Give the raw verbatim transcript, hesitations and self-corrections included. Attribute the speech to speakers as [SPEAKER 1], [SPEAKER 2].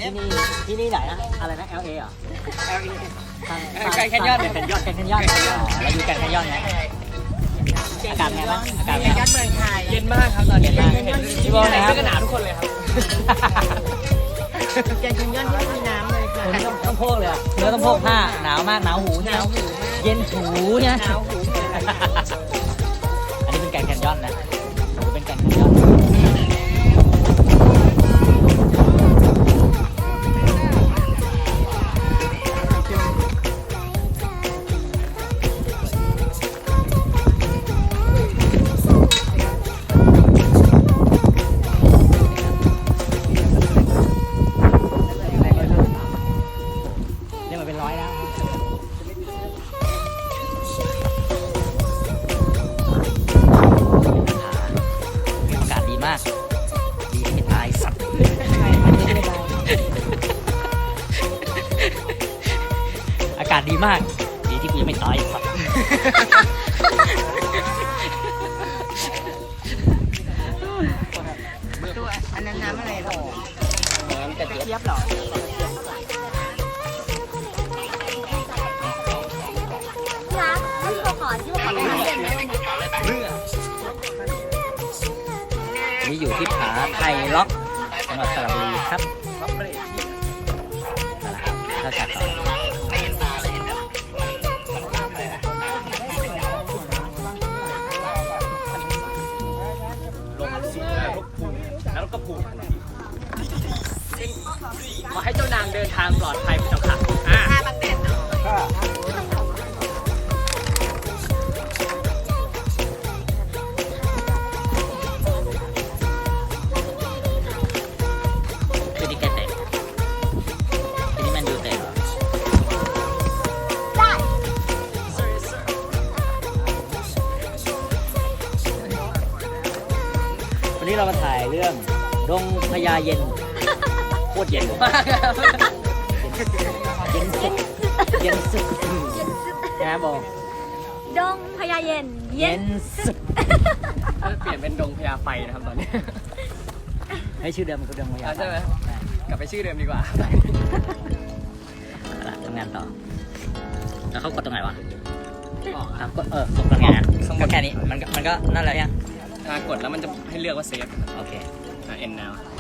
[SPEAKER 1] ที่นี่ที่นี่ไหนนะอะไรนะ แอล เอ เหรอ
[SPEAKER 2] แอล เอ
[SPEAKER 1] ทาง
[SPEAKER 2] แกรนด์แคนยอน
[SPEAKER 1] แกรนด์แคนยอนแกรนด์แคนยอนเราอยู่แกรนด์แคนยอนไงอากาศไงบ้างอากาศไง
[SPEAKER 2] ยอดเมืองไทยเย็นมากครับตอนนี้
[SPEAKER 1] เย็นมาก
[SPEAKER 2] พี่บอลนะครับเสื้อกันหนาวทุกคนเลยครับ
[SPEAKER 3] แกงแคนยอนที่มีน้ำเลยค่ะ
[SPEAKER 1] คุณต้องต้องโพกเลยอะคุณก็ต้องโพกผ้าหนาวมากหนาวหูใช่ไหมเย็นถูใช่ไหม
[SPEAKER 3] หนาวหู
[SPEAKER 1] อันนี้เป็นแกรนด์แคนยอนนะหูเป็นแกรนด์แคนยอน เนี่ยมันเป็นร้อยแล้วอากาศดีมาก ดีที่ไม่ตายสัตว์ อากาศดีมาก ดีที่กูยังไม่ตายสัตว์
[SPEAKER 3] ตัวอันนั้นน้ำอะไรหรอ
[SPEAKER 1] น้ำกระเจี๊ยบ
[SPEAKER 3] เทียบหรอ
[SPEAKER 4] รักมันตัวขอที่ว่าขอเป็นน้ำเด่นไหมวันนี้
[SPEAKER 1] นี่อยู่ที่ผาไทยล็อกจังหวัดสระบุรีครับถ้าจากต่อ
[SPEAKER 2] ลงสู่แล้วก็ผูกแล้วก็ผูกขอให้เจ้านางเดินทางปลอดภัยเจ้าค่ะอ่า
[SPEAKER 3] ผ้าบังแดดเนาะ
[SPEAKER 1] คือนี่แกเตะคือนี่แมันดูเตะเหรอ
[SPEAKER 4] ได้
[SPEAKER 1] วันนี้เรามาถ่ายเรื่องดงพญาเย็นโคตรเย็น
[SPEAKER 2] มากครับ
[SPEAKER 1] เย็นสุดเย็นสุดนะโบ
[SPEAKER 4] ดงพญาเย็น
[SPEAKER 1] เย็นสุด
[SPEAKER 2] เปลี่ยนเป็นดงพญาไฟนะครับตอนนี้
[SPEAKER 1] ให้ชื่อเดิมคือดงพญา
[SPEAKER 2] เอาใช่ไหม กลับไปชื่อเดิมดีกว่า
[SPEAKER 1] เอาล่ะทำงานต่อแล้วเขากดตรงไหนวะ
[SPEAKER 2] บอก
[SPEAKER 1] อ่ะกดเออกดตรงไหนอ่ะก็แค่นี้มันก็มันก็นั่นแหละยัง
[SPEAKER 2] ถ้ากดแล้วมันจะให้เลือกว่าเซฟ
[SPEAKER 1] โอเค
[SPEAKER 2] เอ็น now